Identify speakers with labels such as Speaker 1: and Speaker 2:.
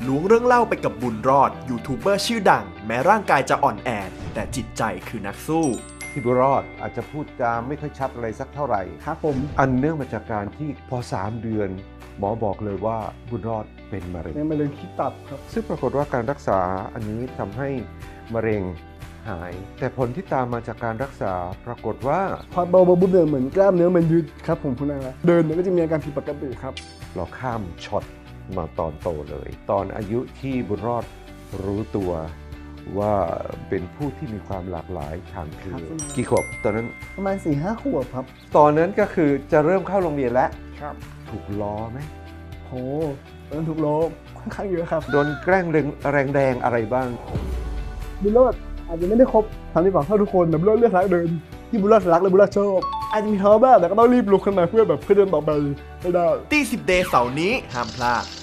Speaker 1: ล้วงเรื่องเล่าไปกับบุญรอดยูทูบเบอร์ชื่อดังแม้ร่างกายจะอ่อนแอแต่จิตใจคือนักสู้
Speaker 2: ที่บุญรอดอาจจะพูดจาไม่ค่อยชัดอะไรสักเท่าไหร่
Speaker 3: ครับผม
Speaker 2: อันเนื่องมาจากการที่พอ3 เดือน หมอบอกเลยว่าบุญรอดเป็นมะเร็ง
Speaker 3: เป็นมะเร็งที่ตับครับ
Speaker 2: ซึ่งปรากฏว่าการรักษาอันนี้ทำให้มะเร็งหาย แต่ผลที่ตามมาจากการรักษาปรากฏว่า
Speaker 3: พอเบาๆบุบเนี่ยเหมือนกล้ามเนื้อมันยืดครับผมคุณอาเดินเนี่ยก็จะมีอาการผิดปกติครับ
Speaker 2: เราข้ามช็อตมาตอนโตเลย ตอนอายุที่บุญรอดรู้ตัวว่าเป็นผู้ที่มีความหลากหลายทางเพศกี่ขวบตอนนั้น
Speaker 3: ประมาณ 4-5 ขวบครับ
Speaker 2: ตอนนั้นก็คือจะเริ่มเข้าโรงเรียนแล้ว
Speaker 3: ครับ
Speaker 2: ถูกล้อไหม
Speaker 3: โหตอนนั้นถูกลบค่อนข้างเยอะครับ
Speaker 2: โดนแกล้งแรงๆอะไรบ้าง
Speaker 3: บุญรอดอาจจะไม่ได้ครบ32เท่าทุกคนแต่บุญรอดเลือกรักเดินที่บุญรอดรักและบุญรอดชอบอาจจะมีท้อบ้างแต่ก็ต้องรีบลุกขึ้นมาเพื่อเดินต่อไปให้ได้
Speaker 1: ตี10 เดย์เสาร์นี้ห้ามพลาด